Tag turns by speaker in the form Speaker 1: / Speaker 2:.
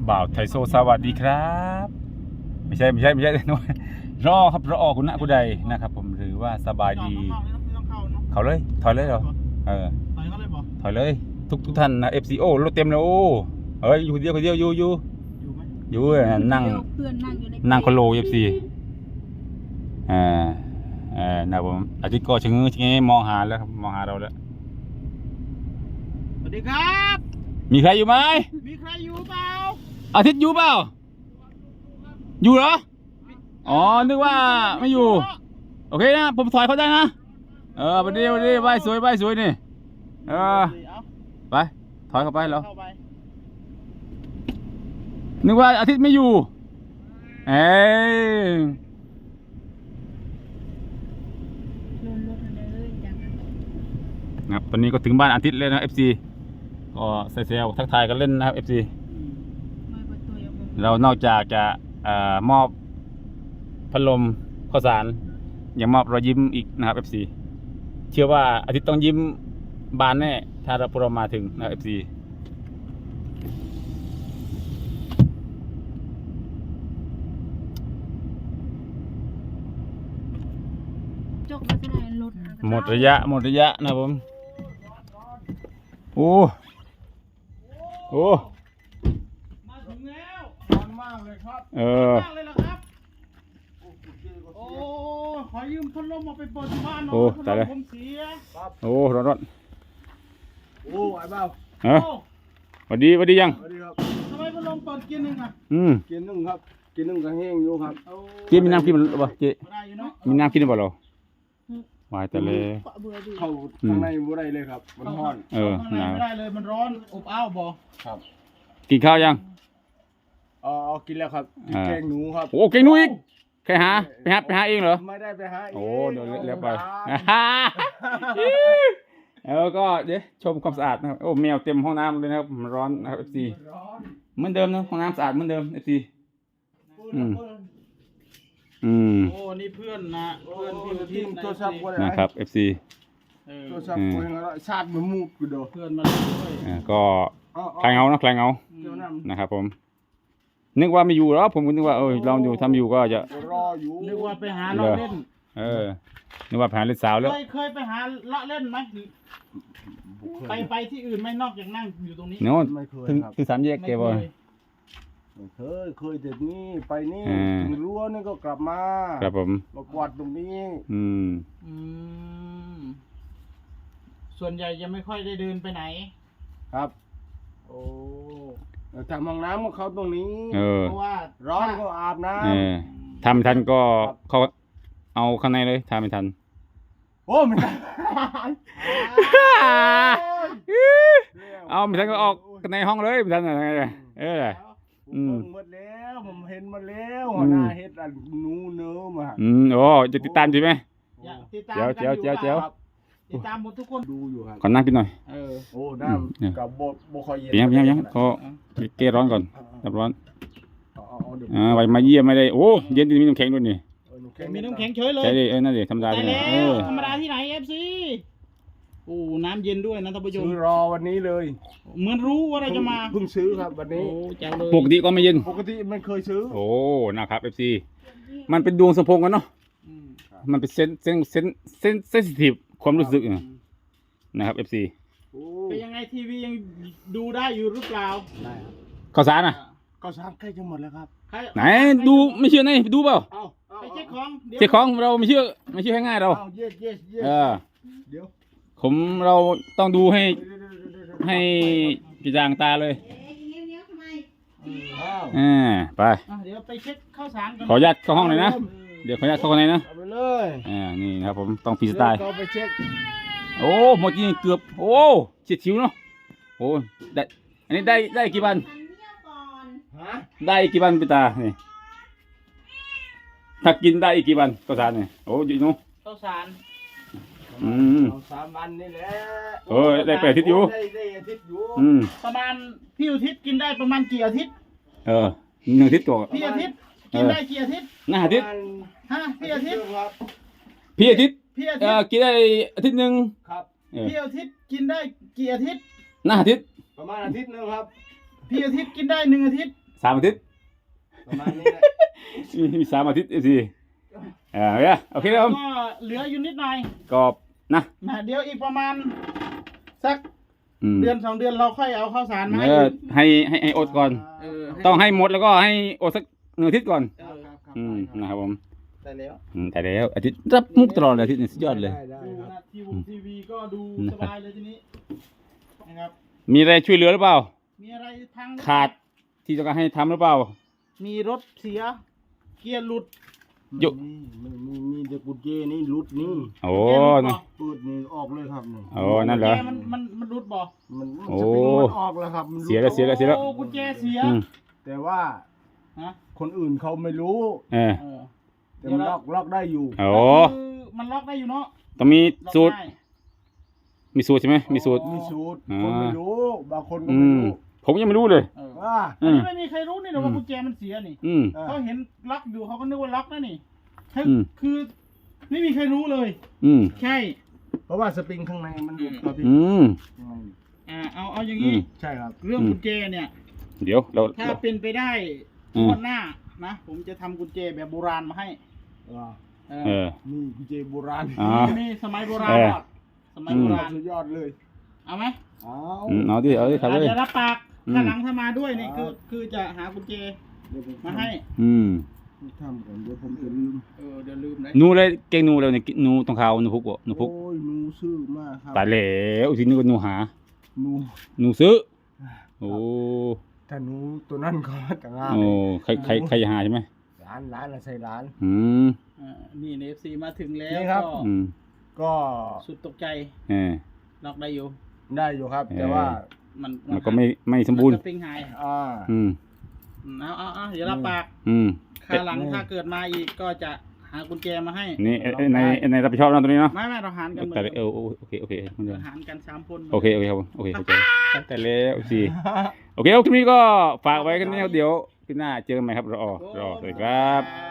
Speaker 1: บ่าวไทโซสวัสดีครับไม่ใช่รอครับรอคุณนะคุณใดนะครับผมหรือว่าสบายดีเขาเลยถอยเลยเหรอถอยเลยทุกท่านนะ FCO รถเต็มเลยโอ้เฮ้ยอยู่คนเดียวอยู่นั่งคนโล FC นะผมอาทิตย์ก็ชะเง้อมองหาแล้วครับมองหาเราแล้ว
Speaker 2: สวัสดีครับ
Speaker 1: มีใครอยู่ไหม
Speaker 2: มีใครอยู่เปล่า
Speaker 1: อาทิตย์อยู่เปล่าอยู่เหรออ๋อนึกว่าไม่อยู่โอเคนะผมถอยเขาได้นะวันนี้ไหว้สวยนี่ไปถอยเข้าไปแล้วนึกว่าอาทิตย์ไม่อยู่ครับตอนนี้ก็ถึงบ้านอาทิตย์เลยนะ FC ก็เซลทักทายกันเล่นนะครับ FC เรานอกจากจะมอบพัดลมข้าวสารยังมอบรอยยิ้มอีกนะครับ FC เชื่อว่าอาทิตย์ต้องยิ้มบานแน่ถ้าเรามาถึงนะครับ FC หมดระยะนะผมโอ้
Speaker 2: มาถึงแล้วร้อนมากเลยครับมากเลยเหรอครับโอ้ขอยืมพัดลมมาไปเปิดที่บ้านหน่อยพัดลมผมเสีย
Speaker 1: โอ้ร้อน
Speaker 3: โอ้ไอ้เบ้า
Speaker 1: สวัสดียัง
Speaker 3: สวัสดีครับ
Speaker 2: ทำไมพัดลมเปิดเกียร์หนึ่งอ่ะ
Speaker 3: เกียร์หนึ่งครับเกียร์หนึ่งก็แห้งอยู่ครับ
Speaker 1: เจ๊มีน้ำกินหรือเปล่าเจ๊มีน้ำกินหรือเปล่าเราวายแต่เลย
Speaker 3: เข้าข้างในไม่ได้เลยครับมันร้อน
Speaker 2: ข้างในไม่ได้เลยมันร้อนอบอ้าวบ่
Speaker 3: ครับ
Speaker 1: กินข้าวยัง
Speaker 3: กินแล้วครับแกงหนูครับ
Speaker 1: โอ้แกงหนูอีกใครหาไปหาเองเหรอ
Speaker 3: ไม่ได้ไปหา
Speaker 1: โอ้เดี๋ยวเรียกไปแล้วก็เดี๋ยวชมความสะอาดนะครับโอ้แมวเต็มห้องน้ำเลยนะครับมันร้อนนะครับ FC เหมือนเดิมนะห้องน้ำสะอาดเหมือนเดิม FC
Speaker 2: โอ้นี่เพื่อนนะเพื่อนที่
Speaker 3: โทรศัพท์
Speaker 1: นะครับ FC
Speaker 3: โทรศัพท์คนละชาติมันมูดกูดู
Speaker 2: เพื่อนมาด้วย
Speaker 1: ก็คลายเงานะครับผมนึกว่าไม่อยู่แล้วผมก็นึกว่าลองดูทำอยู่ก็จะ
Speaker 3: รออยู่
Speaker 2: นึกว่าไปหาเลาะเล่น
Speaker 1: นึกว่าไปหาเล่นสาวแล้ว
Speaker 2: เคยไปหาเลาะเล่นไหมไปที่อื่นไม่นอกจากนั่งอยู่ตรงนี้
Speaker 1: โน้ตถึงสามแยกเกบอล
Speaker 3: เคยแต่นี่ไปนี่ถึงรั้วนี่ก็กลับมา
Speaker 1: ครับผม
Speaker 3: มากวาดตรงนี้
Speaker 2: ส่วนใหญ่จะไม่ค่อยได้เดินไปไหน
Speaker 3: ครับโอ้ทำห้องน้ำของเขาตรงนี้
Speaker 2: เพราะว่า
Speaker 3: ร้อนก็อาบน้
Speaker 1: ำทำไม่ทันก็เขาเอาข้างในเลยทำไม่ทัน
Speaker 3: โอ้ไม่ทัน
Speaker 1: เอาไม่ทันก็ออกในห้องเลยไม่ทันอะไร
Speaker 3: หมดแล้วผมเห็นมาแล้วหัวหน้าเฮ็ดนูเนื้อมา
Speaker 1: โอ้จะติดตามใช่ไหม
Speaker 2: เจ้าติดตามหมดทุกคน
Speaker 3: ดูอยู่ครับ
Speaker 1: ขอนั่งกินหน่อย
Speaker 3: โอ้น้ำกับบคอยเย็
Speaker 1: นยังก็เกร้อนก่อนดับร้อนไว้มาเยี่ยมไม่ได้โอ้เย็นมีน้ำแข็งด้วยนี่
Speaker 2: มีน้ำแข็งเฉยเลย
Speaker 1: ใช่ดินั่นดิธรรมดา
Speaker 2: ธรรมดาที่ไหน FC โอ้น้ำเย็นด้วยนะท่านผู้ชม
Speaker 3: ซื้อรอวันนี้เลย
Speaker 2: เหมือนรู้ว่าเราจะมา
Speaker 3: เพิ่งซื้อครับวันนี้
Speaker 1: ปกติก็ไม่เย็น
Speaker 3: ปกติไม่เคยซื้อ
Speaker 1: โอ้นะครับ FC มันเป็นดวงสมพงษ์กันเนาะมันเป็นเซนซิทีฟความรู้สึกนะครับ FC
Speaker 2: เป็นยังไงทีวียังดูได้อยู่หรือเปล่า
Speaker 3: ได้ครับ
Speaker 1: ข้าวสารนะ
Speaker 3: ข้าวสารใกล้จะหมดแล้วครับ
Speaker 1: ไหนดูไม่เชื่อไหนดูเปล่า
Speaker 2: ไปเช็ค
Speaker 1: ของเราไม่เชื่อง่ายเรา
Speaker 3: เดี๋ยว
Speaker 1: เราต้องดูให้กระจ่างตาเลยไป
Speaker 2: เดี๋ยวไปเช็คข้าวสาร
Speaker 1: ขออนุญาตเข้าห้องหน่อยนะเดี๋ยวขออนุญาตเข้าข้างในนะ
Speaker 3: ไปเลย
Speaker 1: นี่ครับผมต้องฟรีสไตล์
Speaker 3: ไปเช็ค
Speaker 1: โอ้เมื่อกี้เกือบโอ้เฉียดฉิวเนาะโอ้ได้อันนี้ได้กี่วันได้กี่วันพี่ตานี่ถ้ากินได้อีกกี่วันข้าวสารนี่โอ้ยนู้
Speaker 2: ข้าวสาร
Speaker 3: 3 วันนี่แหละ
Speaker 1: ได้8 อาทิตย์อยู่
Speaker 3: ได้อาทิตย์อยู่
Speaker 2: ประมาณพี่อาทิตย์กินได้ประมาณกี่อาทิตย์
Speaker 1: 1 อาทิตย์ตัว
Speaker 2: พี่อาทิตย์กินได้กี่อาทิตย์
Speaker 1: อาทิตย์
Speaker 2: พี่อาทิตย์
Speaker 1: กินได้อาทิตย์นึง
Speaker 3: ครับ
Speaker 2: พี่อาทิตย์กินได้กี่อาทิตย์
Speaker 1: อาทิตย์
Speaker 3: ประมาณอาทิตย์นึงครับ
Speaker 2: พี่อาทิตย์กินได้1 อาทิตย์
Speaker 1: 3 อาทิตย์
Speaker 3: ประมาณนี้แหละ
Speaker 1: มี3 อาทิตย์สิโอเคครับผม
Speaker 2: ก็เหลืออยู่นิดหน่อย
Speaker 1: ก็นะ
Speaker 2: เดี๋ยวอีกประมาณสัก
Speaker 1: อืม
Speaker 2: เดือน2 เดือนเราค่อยเอาข้าวสารมาให้
Speaker 1: ให้อดก่อน ต้องให้หมดแล้วก็ให้อดสัก1 อาทิตย์ก่อน
Speaker 3: ครับ
Speaker 1: นะครับผม
Speaker 2: ได้แล้ว
Speaker 1: แต่แล้วอาทิตย์รับมุกตลอดเลยอาทิตย์นี้สุดยอดเลย
Speaker 3: ได้
Speaker 2: ดู
Speaker 3: ครับ
Speaker 2: นะทีวีก็ดูสบายเลยทีนี้นะครับ
Speaker 1: มีอะไรช่วยเหลือหรือเปล่า
Speaker 2: มีอะไรพัง
Speaker 1: ขาดที่ต้องการให้ทำหรือเปล่า
Speaker 2: มีรถเสีย เกียร์หลุด
Speaker 1: ยุ
Speaker 3: มีเด็กกุญแจนี่รุดนี่
Speaker 1: โอ้
Speaker 2: เกียร์หลุด
Speaker 1: นะ
Speaker 2: บ่
Speaker 3: เปิดนี่ออกเลยครับนี่
Speaker 1: โอ้นั่นเหรอ
Speaker 2: กุญแจมันรุดบ่
Speaker 3: มัน
Speaker 1: โอ้
Speaker 3: สปริงมันออกแล้วครับมันรุด
Speaker 1: เสียแล้วเสียแล้ว
Speaker 2: โอ้กุญแจเสีย
Speaker 1: อืม
Speaker 3: แต่ว่า
Speaker 2: ฮะ
Speaker 3: คนอื่นเขาไม่รู้
Speaker 1: เออ
Speaker 2: เออ
Speaker 3: แต่มันล็อกได้อยู่
Speaker 1: โอ้
Speaker 2: คือมันล็อกได้อยู่เนาะ
Speaker 1: ต้องมี
Speaker 2: ล็อก
Speaker 1: สูตร
Speaker 2: ได้
Speaker 1: มีสูตรใช่ไหมมีสูตร
Speaker 3: มีสูตร
Speaker 1: อ่า
Speaker 3: คนไม่รู้บางคนก็
Speaker 1: อื
Speaker 3: ไม่
Speaker 1: ม
Speaker 3: รู้
Speaker 1: ผมยังไม่รู้เลย
Speaker 2: เออ
Speaker 3: ว่า
Speaker 2: อันนี้ไม่มีใครรู้นี่หรอกว่ากุญแจมันเสียนี่
Speaker 1: อืม
Speaker 2: เขาเห็นล็อกอยู่เขาก็นึกว่าล็อกนะนี่คือ
Speaker 1: อืม
Speaker 2: คือไม่มีใครรู้เลย
Speaker 1: อืม
Speaker 2: ใช่
Speaker 3: เพราะว่าสปริงข้างในมันหลุดครับพี่
Speaker 1: อืม
Speaker 3: ข้างใน
Speaker 2: เอาอย่างนี้
Speaker 1: อืม
Speaker 3: ใช่ครับ
Speaker 2: เรื่อง
Speaker 1: อืม
Speaker 2: กุญแจเนี่ย
Speaker 1: เดี๋ยวเรา
Speaker 2: ถ้าเป็นไปได้
Speaker 1: อืม
Speaker 2: งวดหน้านะผมจะทำกุญแจแบบโบราณมาให้
Speaker 3: ว่า
Speaker 2: เอ
Speaker 1: เอ
Speaker 2: อ
Speaker 1: อ
Speaker 3: นี่กุญแจโบราณ
Speaker 1: อ่า
Speaker 2: นี่สมัยโบราณ
Speaker 1: เออ
Speaker 2: ก่อนสมัยโบราณ
Speaker 3: สุดยอดเลย
Speaker 2: เอาไหม
Speaker 3: เอา
Speaker 1: เอาดิครับเลย
Speaker 2: เดี๋ยวรับปาก
Speaker 1: อืม
Speaker 2: ถ้าหลังถ้ามาด้วยนี่
Speaker 3: ครับ
Speaker 2: คือจะหากุญแจ
Speaker 3: เดี๋ยวผม
Speaker 2: มาให้
Speaker 1: อืม
Speaker 3: ทำก่อนเดี๋ยวผมจะลืม
Speaker 2: เดี๋ยวลืมนะ
Speaker 1: หนูเลยเก่งหนูเลยเนี่ยหนูตรงเขาหนูพุกบ่หนูพุก
Speaker 3: โอ้ยหนูซื่อมากครับ
Speaker 1: ตายแล้วทีนี้ก็หนูหา
Speaker 3: หนู
Speaker 1: หนูซื้อโอ้
Speaker 3: ถ้าหนูตัวนั้นก็จะงาม
Speaker 1: โอ้ใครจะหาใช่ไหม
Speaker 3: ร้านอะใส่ร้าน
Speaker 1: อืม
Speaker 2: นี่เอฟซีมาถึงแล้ว
Speaker 3: นี่ครับ
Speaker 2: ก็
Speaker 1: อืม
Speaker 3: ก็
Speaker 2: สุดตกใจ
Speaker 1: เออ
Speaker 2: ล็อกได้อยู่
Speaker 3: ได้อยู่ครับ แต่ว่า
Speaker 2: มัน
Speaker 1: มันก็ไม่สมบูรณ์
Speaker 2: นสปริงหาย
Speaker 3: อ่า
Speaker 1: อืม
Speaker 2: เอาเดี๋ยวรับปาก
Speaker 1: อืม
Speaker 2: คราวหลังถ้าเกิดมาอีกก็จะหากุญแจมาให้
Speaker 1: นี่ในรับผิดชอบนะตัวนี้เนาะ
Speaker 2: ไม่เราหารกันเหมือน
Speaker 1: แต่
Speaker 2: เดิม
Speaker 1: โอเคเหมือนเดิม
Speaker 2: หารกัน3 คน
Speaker 1: โอเคครับผมโอเคเข้าใจแต่แล้วสิโอเคคลิปนี้ก็ฝากไว้กันนี้ครับเดี๋ยวคลิปหน้าเจอกันใหม่ครับรอสวัสดีครับ